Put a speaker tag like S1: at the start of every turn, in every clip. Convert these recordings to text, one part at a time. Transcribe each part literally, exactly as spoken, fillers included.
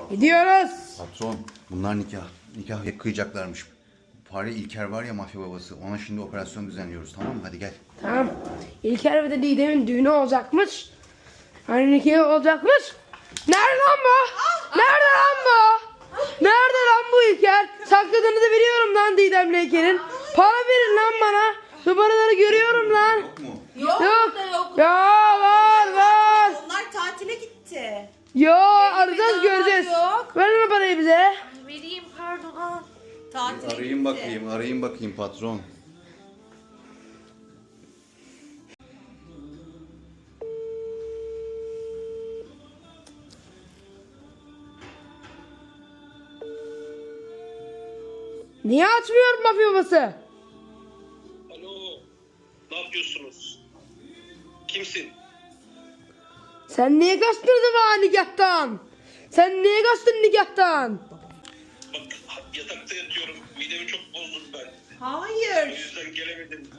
S1: Gidiyoruz.
S2: Patron, bunlar nikah. Nikah kıyacaklarmış. Fare İlker var ya, mafya babası. Ona şimdi operasyon düzenliyoruz, tamam mı? Hadi gel.
S1: Tamam. İlker ve de Didem'in düğünü olacakmış. Hani nikahı olacakmış. Nerede lan bu? Nerede lan bu? Nerede lan bu İlker? Sakladığınızı biliyorum lan Didem'le İlker'in. Para verin lan bana. Numaraları görüyorum lan.
S2: Yok mu?
S3: Yok,
S1: Yok.
S3: da yok.
S1: Ya var var.
S3: Onlar tatile gitti.
S1: Yo arayacağız
S3: daha
S1: göreceğiz.
S3: yok.
S1: Ver lan parayı bize.
S3: Vereyim pardon al. Tatile
S2: Arayayım
S3: gitti.
S2: bakayım, arayayım bakayım patron.
S1: Niye açmıyor mafya babası?
S4: Alo, ne yapıyorsunuz? Kimsin?
S1: Sen niye kaçtın bana nikahtan? Sen niye kaçtın nikahtan?
S4: Bak yatakta yatıyorum, midemi çok bozdum ben. O
S3: Hayır.
S4: yüzden gelemedim.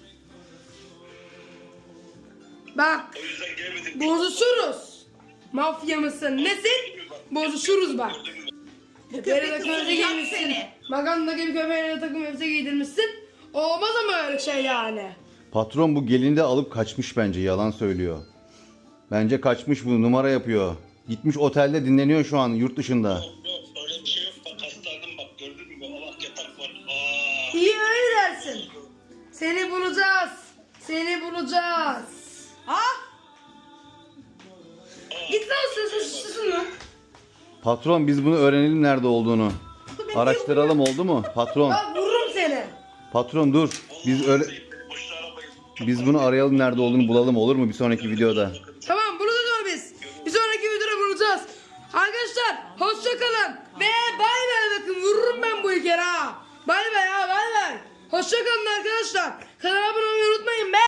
S1: Bak
S4: O yüzden gelemedim.
S1: bozuşuruz. Mafya mısın nesin? Bozuşuruz bak. Köpeğe de köpeğe
S3: kızdıracak
S1: giymişsin.
S3: seni.
S1: Maganda gibi köpeğe de takım elbise giydirmişsin. Olmaz ama öyle şey yani.
S2: Patron bu gelini de alıp kaçmış bence, yalan söylüyor. Bence kaçmış, bu numara yapıyor. Gitmiş otelde dinleniyor şu an yurt dışında.
S4: Yok yok, öyle bir şey yok. Bak hastalandım bak, gördün mü? Allah yatak var. Aa.
S1: İyi öyle dersin. Seni bulacağız. Seni bulacağız.
S3: Ha?
S1: Git lan sus sus susun lan.
S2: Patron, biz bunu öğrenelim nerede olduğunu. Araştıralım, oldu mu? Patron,
S1: Bak vururum seni.
S2: patron dur. Biz öyle
S4: Boşuna arabayı.
S2: biz bunu arayalım, nerede olduğunu bulalım, olur mu bir sonraki videoda?
S1: Tamam bulacağız onu biz. Bir sonraki videoda bulacağız. Arkadaşlar hoşça kalın. Ve bay bay bakın vururum ben bu İlker'e ha. Bay bay ha bay bay. Hoşça kalın arkadaşlar. Kanala abone olmayı unutmayın be.